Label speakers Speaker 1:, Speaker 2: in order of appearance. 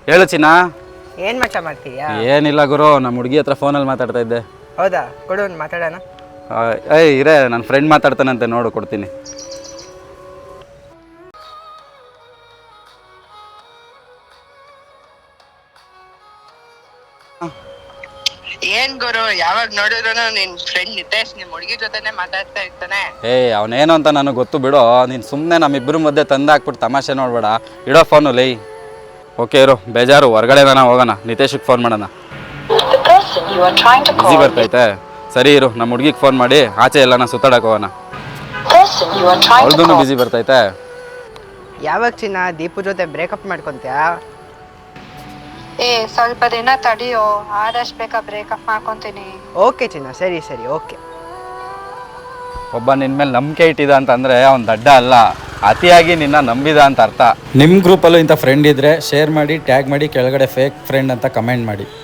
Speaker 1: ಹೇಳು ಚಿನ್ನ.
Speaker 2: ಏನ್ ಮಚ್ಚ ಮಾಡ್ತೀಯಾ?
Speaker 1: ಏನಿಲ್ಲ ಗುರು, ನಮ್ಮ ಹುಡುಗಿ ಹತ್ರ ಫೋನಲ್ಲಿ ಮಾತಾಡ್ತಾ ಇದ್ದೆ.
Speaker 2: ಹೌದಾ, ಕೊಡು ಒಂದು ಮಾತಾಡೋಣ.
Speaker 1: ಏಯ್ ಇರೇ, ನನ್ನ ಫ್ರೆಂಡ್ ಮಾತಾಡ್ತಾನಂತೆ, ನೋಡು ಕೊಡ್ತೀನಿ.
Speaker 2: ಏನ್ ಗುರು, ಯಾವಾಗ ನೋಡಿದ್ರು ನಿನ್ ಫ್ರೆಂಡ್ ನಿತೇಶ್ ನಿಮ್ ಹುಡುಗಿ ಜೊತೆನೆ ಮಾತಾಡ್ತಾ ಇರ್ತಾನೆ.
Speaker 1: ಏಯ್ ಅವನೇನು ಅಂತ ನನಗೆ ಗೊತ್ತು ಬಿಡು. ನೀನು ಸುಮ್ಮನೆ ನಮ್ಮಿಬ್ಬರು ಮಧ್ಯೆ ತಂದು ಹಾಕ್ಬಿಟ್ಟು ತಮಾಷೆ ನೋಡ್ಬೇಡ. ಇಡೋ ಫೋನು ಲೈ. ಓಕೆ ಇರು, ಬೇಜಾರು, ಹೊರಗಡೆ ಹೋಗೋಣ, ನಿತೇಶಿಗೆ ಫೋನ್ ಮಾಡೋಣ. ಬಿಸಿ ಬರ್ತೈತೆ, ಸರಿ ಇರು, ನಮ್ಮ ಹುಡುಗಿಗೆ ಫೋನ್ ಮಾಡಿ ಆಚೆ ಎಲ್ಲನ ಸುತ್ತಾಡಕ್ಕೆ ಹೋಗೋಣ. ಅವ್ರದ್ದು ಬಿಸಿ ಬರ್ತೈತೆ.
Speaker 2: ಯಾವಾಗ ಚಿನ್ನ ದೀಪು ಜೊತೆ ಬ್ರೇಕಪ್ ಮಾಡ್ಕೊಂತ್ಯಾ?
Speaker 3: ಸ್ವಲ್ಪ ದಿನ ತಡಿಯೋ, ಆದಷ್ಟು ಬೇಗ ಬ್ರೇಕಪ್ ಮಾಡ್ಕೊಂತೀನಿ.
Speaker 2: ಓಕೆ ಚಿನ್ನ, ಸರಿ ಸರಿ, ಓಕೆ.
Speaker 1: ಒಬ್ಬ ನಿನ್ನ ಮೇಲೆ ನಂಬಿಕೆ ಇಟ್ಟಿದ ಅಂತಂದರೆ ಅವ್ನು ದಡ್ಡ ಅಲ್ಲ, ಅತಿಯಾಗಿ ನಿನ್ನ ನಂಬಿದ ಅಂತ ಅರ್ಥ. ನಿಮ್ಮ ಗ್ರೂಪಲ್ಲೂ ಇಂಥ ಫ್ರೆಂಡ್ ಇದ್ದರೆ ಶೇರ್ ಮಾಡಿ, ಟ್ಯಾಗ್ ಮಾಡಿ, ಕೆಳಗಡೆ ಫೇಕ್ ಫ್ರೆಂಡ್ ಅಂತ ಕಮೆಂಟ್ ಮಾಡಿ.